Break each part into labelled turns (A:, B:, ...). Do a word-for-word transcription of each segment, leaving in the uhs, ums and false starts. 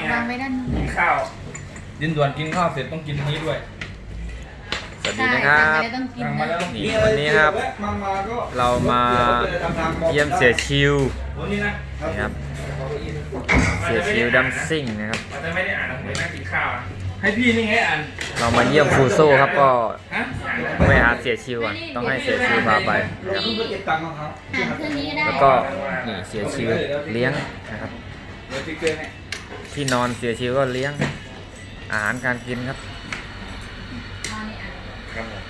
A: วางไว้ด้านนู้น
B: กินข้าวดินด่วนกินข้าวเสร็จต้องกินนี้ด้วย
C: สวัสดีนะครับ
A: ใช่ต้องกิน
B: สั่งมาแล้วต้องกิน
C: นี่วันนี้ครับ เรามาเยี่ยมเสียชิว
B: วันนี้นะ
C: นี่ครับเสียชิวดัมซิ่งนะครับ
B: เราจะไม่ได้อ่านหนังสือนั่งกินข้าวอะให้พี่นี่ไงอ่าน
C: เรามาเยี่ยมฟูโซ่ครับก็
B: ฮะ
C: ไปหาเสียชิวอ่ะต้องให้เสียชิวพาไปนะครับ
A: หาเครื่องนี้ก็ได้
C: แล้วก็นี่เสียชิวเลี้ยงนะครับ
B: เดี๋ยวพี่เกยเนี่ย
C: ที่นอนเสียชิวก็เลี้ยงอาหารการกินครับ
B: ครับผม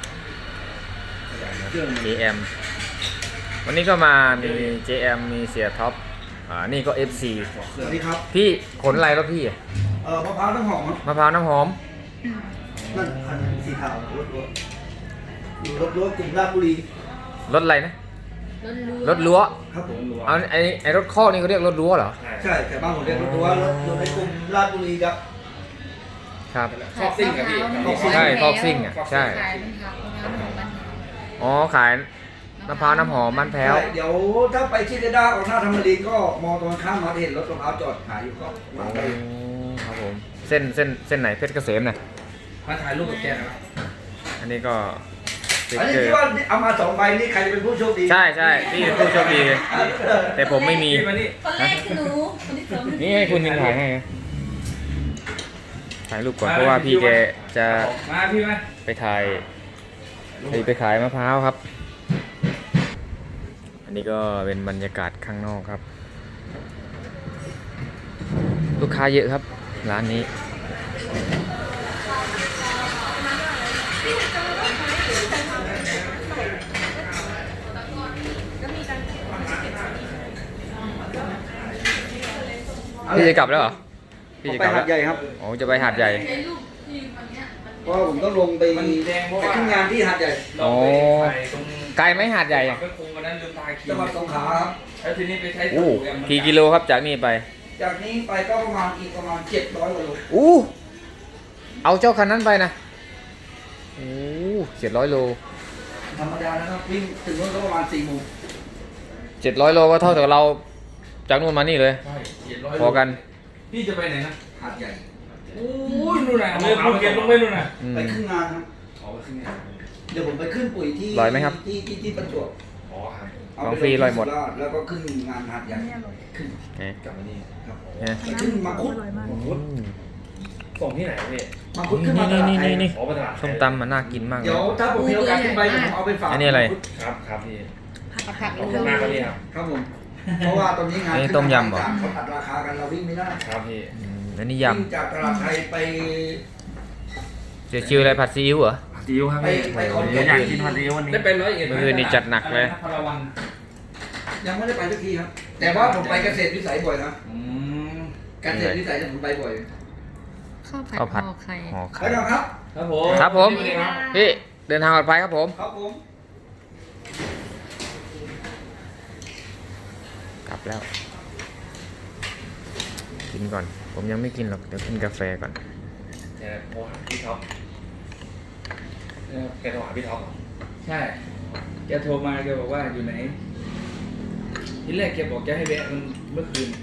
C: เจ เอ็ม วันนี้ก็มามี เจ เอ็ม มีเสียท็อปอ่านี่ก็ เอฟ ซี
D: สวัสดีครับ
C: พี่ขนอะไรแล้วพี่
D: เอ่อมะพร้าวน้ำหอมครับ
C: มะพร้าวน้ำหอม
D: นั่นคันสีขาวรถรถอยู่รถรถกลุ่มราชบุรี
C: รถอะไรนะ
A: รถรั้ว
C: รถรั้ว
D: ครับผม
C: เอาไอ้ไอ้รถข้อกนี่เขาเรียกรถรั้วเหรอ
D: ใช่แต่บ้านผมเรียกรถรั้วรถรถในกลุ่มราชบุรีครับ
C: ครับ
B: ชอบซิ่งกับพี่
C: ใช่ทอกซิ่งอ่ะใช่
A: ขายเป็นผักมะพร้าวหอมบ้านเรา
C: อ๋อขายมะพร้าวน้ำหอมบ้านแพ้ว
D: ใช่เดี๋ยวถ้าไปที่เดด้าของท่าธรรมรีก็มองตรงข้ามมาเห็นรถมะพร้าวจอดขายอยู่ก็วางไป
C: ครับผมเส้นเส้นเส้นไหนเพชรเกษมเนี่ย
B: มาถ่ายรูปกับแกหน่อย
C: อันนี้ก็สติ๊ก
D: อันนี้
C: เกอ
D: ที่
C: ร์
D: ว่าเอามาสองใบนี่ใครจะเป็นผู้โชคดี
C: ใช่ใช่พี่เป็นผู้โชคดี แต่ผมไม่มี
B: พี่มานี่
A: คนแรกคือหนูคนที่สอง
C: นี่ให้คุณมินถ่ายให้นะถ่ายรูปก่อนเพราะว่าพี่แกจะ
B: มาพี่มา
C: ไปถ่ายไปไปขายมะพร้าวครับ อันนี้ก็เป็นบรรยากาศข้างนอกครับ ลูกค้าเยอะครับร้านนี้พี่จะกลับแล้วเหรอพี่จะ
D: ไป
C: กลับ
D: หา
C: แล้ว
D: ดใหญ่ครับ
C: อ๋อจะไปหาดใหญ่
D: เพราะว่าผมต้องลงไป
B: มันแดงเพราะ
D: ไป
B: ว่า
D: ขึ้นงานที่หาดใหญ่
B: เราไปถ่ายตรง
C: ไกลไหมหาดใหญ่อะ
B: ก็คงวันนั้นลืมตาคี
D: จังหวัดสงขลาครับ
B: แล้วทีนี้ไปใช้
C: อู้
B: แอมมัน
C: กี่กิโลครับจากนี่ไป
D: จากนี้ไปก็ประมาณอีกประมาณเจ็ดร้อยกว่าโล
C: อู้เอาเจ้าคันนั้นไปนะโอ้เจ็ดร้อยโล
D: ธรรมดานะครับวิ่งถึงนู้นก็ประมาณสี่โมง
C: เจ็ดร้อยโลก็เท่ากับเราจากนู่นมานี่เลย
B: ใช่เจ็ดร้อย
C: พอกัน
B: พี่จะไปไหนนะ
D: หาดใหญ่
B: โอ้ยนู่นน่ะเลยภูเก็ตลงไปนู่นน่ะ
C: อืม
D: ไปขึ้นงานครับ
B: อ๋อไปขึ้นไง
D: เดี๋ยวผมไปขึ้นปุ๋ยที่
C: ลอยไหมครับ
D: ที่ที่ที่ประจวบ
B: อ๋อครับ
D: เอา
C: ของ
D: ไป
C: ฟรีลอยหมด
D: ที่สุราษฎร์แล้วก็ขึ้นงานหาดใหญ่ขึ้น
C: นี่
B: กลับมานี่
D: ครับ
C: นี่
D: ไปขึ้นมังคุด
B: มังคุดส่งที่ไหนพี่
D: มังคุดขึ้นมาตลาดไทย
C: นี่
B: อ๋อไปตลาดไทย
C: ส้มตำมันน่ากินมากเล
D: เดี๋
C: ย
D: ยวถ้าผมมีโอกาสขึ้นไปเดี๋ยวผมเอาไปฝาก
C: อันนี้อะไร
D: มังคุด
B: ครับครับพี่
A: ผักผัก
B: ขอบคุณมากครับพี่ครับ
D: ครับผมเพราะว่าตอนนี้งาน
C: อันนี้
D: ขึ้
C: ต้มยำเหรอ
D: เขาตัดราคากันเราวิ่งไม่ได้
B: ครับพี่
C: อืมอันนี้
D: วิ่ง
C: ยำ
D: จากตลาดไทยไป
C: เสียชิวอะไรผัดซีอิ๊วเหรอ
B: ซีอิ๊วครับพี่
D: ไปไปขอน
B: เดี๋
D: แก่
B: ยวน อยากกินผัดซีอิ๊ววันนี้ได้ไปร้อยเอ็ด
C: เมื่อคืนนี้จัดหนักเลย
B: พลวัน
D: ยังไม่ได้ไปสักทีครับ แต่ว่าผมไปเกษตรวิสัยบ่อยนะ
B: อืม
D: เกษตรวิสัยเนี่ยผมไปบ่อย
A: ข้าวผัด
C: ข้าวผัด
A: ห่อไข่
C: ห่อ
D: ไป
C: ไข่
D: แล้วครับ
B: ครับผม
C: ครับผม
B: สวัสดีครับ
C: พี่เดินทางปลอดภัยครับผม
D: ครับผม
C: กลับแล้ว กินก่อน ผมยังไม่กินหรอก เดี๋ยวกินกาแฟก่อน
B: เดี๋ยวโทรหาพี่ท็อปเออแกโทรหาพี่ท็อปเหรอ
E: ใช่ แกโทรมาแกบอกว่าอยู่ไหน ทีแรกแกบอกแกให้แวะมันเมื่อคืน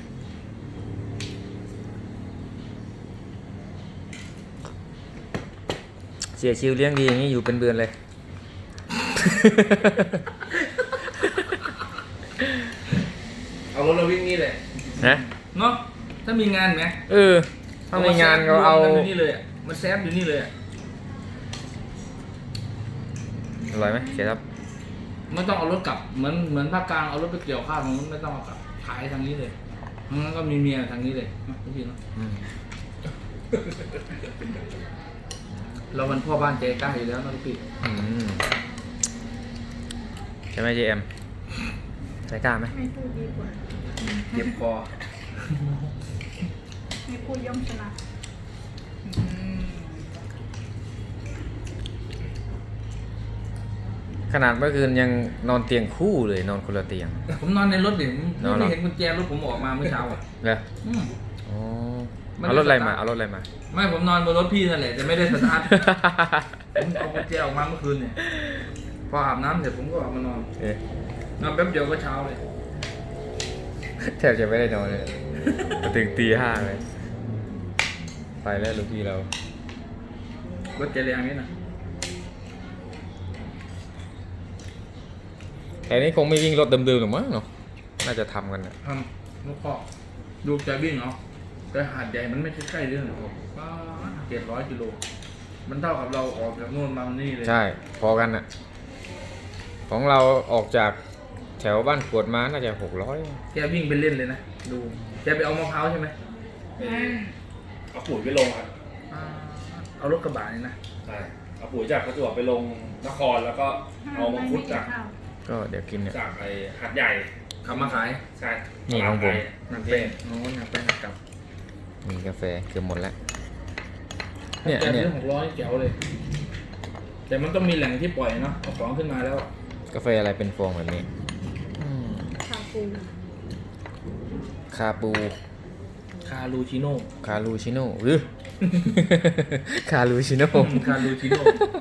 C: เสียชิวเลี้ยงดีอย่างนี้อยู่เป็นเดือนเลย
E: เอารถเราวิ่งนี่เลย
C: นะ
E: เนาะถ้ามีงานไหม
C: เออ ถ้ามีงานก็เอา
E: มันอยู่นี่เลยอะมันแซฟอยู่นี่เลยอะ
C: อร่อยไหมเสียครับ
E: ไม่ต้องเอารถกลับ เหมือนเหมือนภาคกลางเอารถไปเกี่ยวข้าวมันไม่ต้องเอากลับ ขายทางนี้เลยงั้นก็มีเมียทางนี้เลยเนาะพี่เนาะ
C: อืม
E: เรามันพ่อบ้านใจกล้าอยู่แล้วนะพี่
C: อืมใช่ไหมเจเอ็มใจกล้าไหม
F: ไม่พูดดีกว่า
E: เจ็บคอ
F: ไม่พูดย่อมชนะ
C: ขนาดเมื่อคืนยังนอนเตียงคู่เลยนอนคนละเตียง
E: ผมนอนในรถเดี๋ยว
C: นอนเหร
E: ไม่
C: อ
E: เห็นกุญแจรถผมออกมาเมื่อเช้าอ่ะ
C: เหรอ
E: อืม
C: อ๋อ
E: ไม่ได้
C: เอารถอะไร
E: สตาร์ท
C: มา เอารถอะไรมา
E: ไม่ผมนอนบนรถพี่นั่นแหละแต่ไม่ได้สตาร์ท ผมเอากุญแจออกมาเมื่อคืนเนี่ย พออาบน้ำเสร็จผมก็ออกมานอน
C: เอ๊ะ
E: นอนแป๊บเดียวก็เช้าเลย
C: แทบจะไม่ได้นอนเลย ถึงตีห้าเลยไปแล้วลูกพี่เรา
E: รถเจริญนี่นะ
C: แต่นี้คงไม่วิ่งรถเดิมๆหรอกมั้งเนาะน่าจะทำกันนะ
E: ทำลูกพ่อดูใจวิ่งเนาะแต่หาดใหญ่มันไม่ใช่ใกล้เรื่องหรอกป้าเจ็ดร้อยกิโลมันเท่ากับเราออกจากนู่นมานี่เลย
C: ใช่พอกันน่ะของเราออกจากแถวบ้านกวดมาน่าจะหกร้อย
E: แกวิ่งไปเล่นเลยนะดูแกไปเอามะพร้าวใช่ไหม
B: เอาปุ๋ยไปลงครับ
E: อ่าเอารถกระบะนี่นะ
B: ใช่เอาปุ๋ยจากประจวบไปลงนครแล้วก็เอามังคุดจาก
C: ก็เดี๋ยวกินเนี่ย
B: จากไอ้หัดใหญ่
E: ขับมาขาย
B: ใช่
C: นี่ของผม
E: หนักเป็นโอ้หนักไปหนักกลับ
C: มีกาแฟเกือบหมดแล้วเนี่ย
E: แต่
C: เนี่ย
E: เรื่องหกร้อยแจ๋วเลย แต่มันต้องมีแหล่งที่ปล่อยเนาะเอาของขึ้นมาแล้ว
C: กาแฟอะไรเป็นฟองแบบนี้อืม
F: คาปู
C: คาปู
E: คารูชิโน่
C: คารูชิโน่หรือ คารูชิโน่
E: คารูชิโน่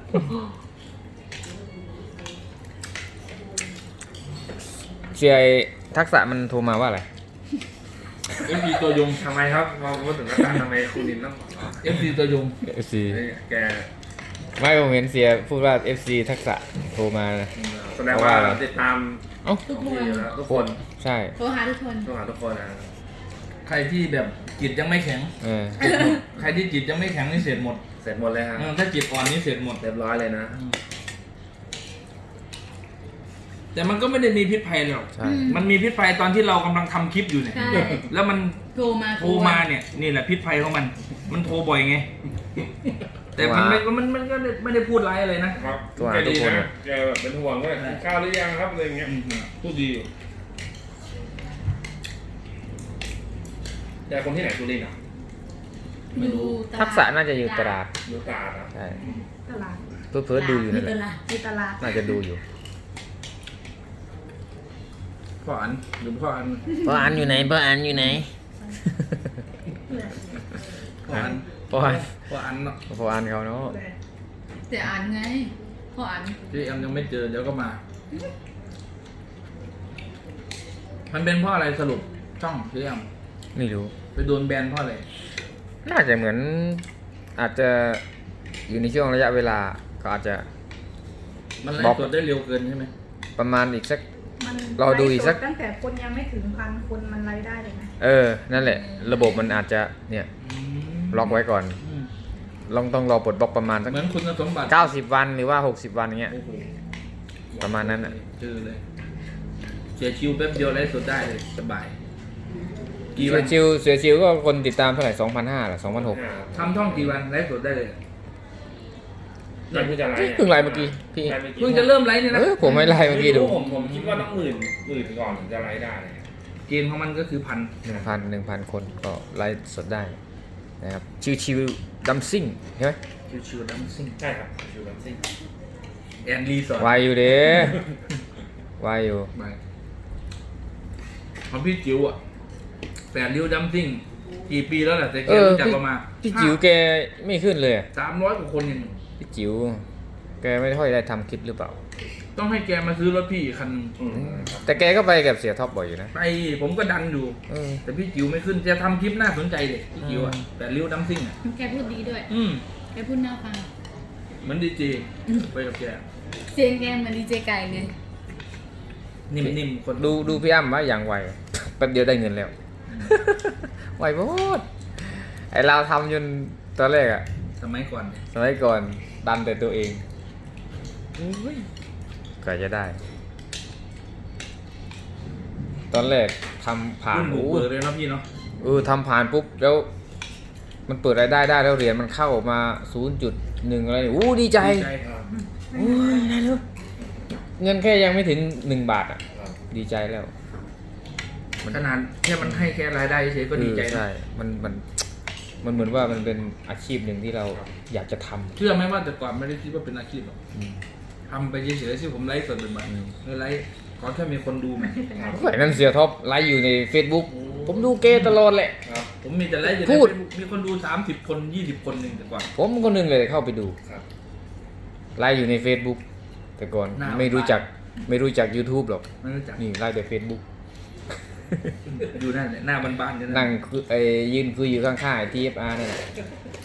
C: เสียไอ้ทักษะมันโทรมาว่าอะไร
E: เอฟซีตัวยง
B: ทำไมครับพอพูดถึงราคาทำไมคุณนินต้อง
E: เอฟซีตัวยง
C: เอฟซี
B: แก
C: ไม่ผมเห็นเสียพูดว่า เอฟซี ทักษะโทรมานะ
B: แสดงว่าติดตาม
C: เอ้า
A: ทุกคน
B: อยู่แล้วทุกคน
C: ใช่
A: โทรหาทุกคน
B: ทุกหาทุกคนนะ
E: ใครที่แบบจิตยังไม่แข็ง
C: เออ
E: ใครที่จิตยังไม่แข็งนี่เสร็จหมด
B: เสร็จหมดเลยฮะ
E: เออถ้าจิตอ่อนนี่เสร็จหมด
B: เรียบร้อยเลยนะ
E: แต่มันก็ไม่ได้มีพิษภัยหรอก
C: ใช่
E: มันมีพิษภัยตอนที่เรากำลังทำคลิปอยู่เนี่ย
A: ใช่
E: แล้วมัน
A: โทรมา
E: โทรมาเนี่ยนี่แหละพิษภัยของมัน มันโทรบ่อยไง แต่มันไม่มันมันก็ไม่ได้พูดร้ายอะไรนะครับ
C: ตัว
B: แก
C: ทุ
B: ดี
C: กคน
B: นะแกแบบเป็นห่วงว่ากินข้าวหรือยังครับอะไรอย่างเงี้ย
E: อืมพูดดีอยู่
B: แกคนที่ไหนสุรินทร์อ่ะ
A: ไม่รู้
C: ทักษะน่าจะอยู่ตราด
B: ดูตาดอ่ะ
C: ใช่
F: ตลาด
C: เพื่อเพื่อดูอยู่นั่นแหละ
A: ตลาด
F: มีตลาด
C: น่าจะดูอยู่
E: พ่ออันหรือพ่ออัน
C: พ่ออันอยู่ไหนพ่ออันอยู่ไหน
E: พ่ออัน
C: พ่ออัน
E: พ่ออันเนาะ
C: พ่ออันเขาเนาะ
A: แต่อ่านไงพออ่าน
E: ที่แอมยังไม่เจอเดี๋ยวก็มา มันเป็นเพราะอะไรสรุปช่องที่แอม
C: ไม่รู้
E: ไปโดนแบนเพราะอะไร
C: น่าจะเหมือนอาจจะอยู่ในช่วงระยะเวลาก็อาจจะ
E: มันไล่
C: บอก
E: สดได้เร็วเกินใช่ไหม
C: ประมาณอีกสัก
F: มัน
C: รอดูอีกสัก
F: ไลฟ์ตั้งแต่คนยังไม่ถึงพันคนมันไลฟ์ได้เลยนะ
C: เออ นั่นแหละ ระบบมันอาจจะเนี่ยล็อกไว้ก่อน
E: อืม
C: ลองต้องรอปลดบล็อกประมาณสัก
E: เหมือนคุณสมบัติ
C: เก้าสิบวันหรือว่าหกสิบวันอย่างเงี้ย
E: โอ้โห
C: ประมาณนั้นอ่ะ
E: เจอเลยเสียชิวแป๊บเดียวไล่สดได้เลยสบาย กี่
C: เสื
E: วั
C: อน ชิวเสือชิวก็คนติดตามเท่าไหร่สองพันห้าหรือสองพันหก
E: ทำท่องกี่วันไล่สดได้เลย
B: ยังเพิ่งจะไลฟ์
C: เพิ่งไลฟ์เมื่อกี้พี่
B: ไลฟ์มื่อกี้
E: เพิ่งจะเริ่มไลฟ์เนี่ย
C: เอ
E: นะ
C: อผมไม่ไลฟ์เมื่อกี้ดู
B: ผมผมคิดว่าต้องหมื่นหมื่นก่อนถึงจะไลฟ์ได้เลย
E: เกณฑ์ของมันก็คือพัน
C: หนึ่งพันหนึ่งพันคนก็ไลฟ์สดได้นะครับชิวชิวดัมซิ่งใช่ไหม
E: ชิวๆดัมซิ่ง
B: ใช่ครับชิวดัมซิ่ง
E: แอนรีสอร์ท
C: วายอยู่เด้วายอยู่
E: ไปของพี่จิ๋วอ่ะแปดริ้วดัมซิ่งกี่ปีแล้วแหละแต่แก
C: เออ
E: รู้จัก
C: พี่
E: เรามา
C: พี่จิ๋วแกไม่ขึ้นเลยอะ
E: สามร้อยกว่าคนยัง
C: พี่จิ๋วแกไม่ค่อยได้ทำคลิปหรือเปล่า
E: ต้องให้แกมาซื้อรถพี่อีกคันหนึ่ง
B: อืมครับ
C: แต่แกก็ไปกับเสียท็อปบ่อยอยู่นะ
E: ไปผมก็ดันอยู่
C: เออ
E: แต่พี่จิ๋วไม่ขึ้นจะทำคลิปน่าสนใจเลยพี่จิ๋วอ่ะ
C: อืม
E: แปดริ้วดัมซิ่งอ่ะ
A: แกพูดดีด้วย
E: อืม
A: แกพูดน่าฟัง
E: เหมือนดีเจไปกับแก
A: เสียงแกเหมือนดีเจไก่เลย
E: นิ่มๆคน
C: ดูดูพี่อ้ำว่าอย่างไวแป๊บเดียวได้เงินแล้ว ไวโพดไอเราทำจนตอนแรกอะ
E: สมัยก่อนเนี่ย
C: สมัยก่อนดันแต่ตัวเองอุ๊ยก็จะได้ ตอนแรกทำผ่าน
E: รุ่นบุก
C: โอ้
E: เบิกเลยเนาะพี่เนาะ
C: เออทำผ่านปุ๊บแล้ว มันเปิดรายได้ได้แล้วเหรียญมันเข้ามา ศูนย์จุดหนึ่ง อะไรนี่อู้ดีใจ
E: ดีใจ
B: ครับ
C: โอ้ยได้แล้วเงินแค่ยังไม่ถึงหนึ่งบาทอ่ะ
B: ครับ
C: ดีใจแล้ว
E: ขนาดแค่มันให้แค่รายได้เฉยๆก็ดีใจ
C: เออ
E: นะ
C: ใช่ มันมันมันเหมือนว่ามันเป็นอาชีพหนึ่งที่เราอยากจะทำ
E: เชื่อไหมว่าแต่ก่อนไม่ได้คิดว่าเป็นอาชีพหรอก
C: อืม
E: ทำไปเฉยๆที่ผมไลฟ์สดบ่อย
C: อืม
E: ๆเลยไลฟ์ขอแค่มีคนดูไหม
C: ก็ไอ้นั่นเสียท็อปไลฟ์อยู่ใน Facebook ผมดูเกย์ตลอดแหละ
B: ครับ
E: ผมมีแต่ไลฟ์อยู่ใน
C: พูด
E: Facebook มีคนดูสามสิบคนยี่สิบคนหนึ่งแต่ก่อน
C: ผมคนหนึงเลยเข้าไปดู
B: ครับ
C: ไลฟ์อยู่ใน Facebook แต่ก่อน
E: หน้า
C: ไม่รู้จักไม่รู้จัก YouTube หรอก
E: ไม่รู้จัก
C: นี่ไลฟ์แต่ Facebook
E: อยู่นั่นแหละหน้าบ้านๆเนี่ยนะ
C: นั่งคุยไอ้ยืนคุยอยู่ข้างๆไอ้ ที เอฟ อาร์ นั่นแหละ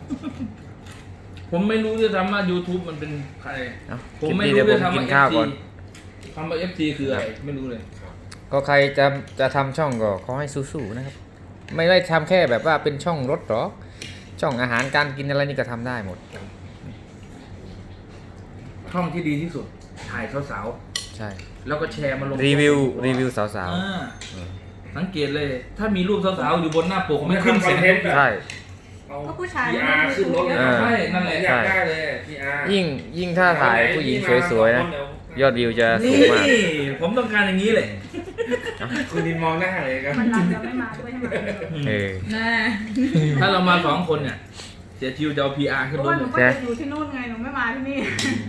E: ผมไม่รู้ด้วยซ้ำว่า YouTube มันเป็นใคร
C: เอ้า
E: ผม
C: คลิป
E: ไม่
C: นี้
E: รู้
C: เดี๋ยว
E: ด้
C: ผ
E: วย
C: ม
E: ซ้ำ
C: กิน
E: ว่า
C: ข้าว
E: เอฟ
C: ก่อ
E: ซี
C: น
E: คำว่า เอฟ ซี คืออะไรไม่รู้เลย
C: ก็ใครจะจะทำช่องก็ขอให้สู้ๆนะครับ ไม่ได้ทำแค่แบบว่าเป็นช่องรถหรอกช่องอาหารการกินอะไรนี่ก็ทำได้หมด
E: ช่องที่ดีที่สุดถ่ายสาว
C: ใช่
E: ๆแล้วก็แชร์มาลง
C: รีวิวรีวิวสาว
E: อ่า
C: ๆเออ
E: สังเกตเลย ถ้ามีรูปสาวๆอยู่บนหน้าปกไม่ขึ้นเสียง
C: ใช่
B: เอา
F: ก็ผู้ชาย
B: พีอาร์ขึ้นรถเลย
C: เออ
E: ใช่นั่นแหละ
B: อยากได้เลยพีอาร์
C: ยิ่งยิ่งถ้าถ่ายผู้หญิงสวยๆนะยอดวิวจะสู
E: นี่
C: งมาก
E: ผมต้องการอย่างนี้เลย
B: คุณดินมองหน้าเลยครับ
F: มันรักจะไม่มาด้วยใช่ไหม
C: เออ
A: น่า
E: ถ้าเรามาสองคนเนี่ยเสียทิวจะเอา พี อาร์
F: เพ
E: ขึ้น
F: ราะ
E: ร
F: ว่า
E: ถ
F: หนู
E: เลย
F: ก็จะอยู่ที่นู่นไงหนูไม่มาที่นี่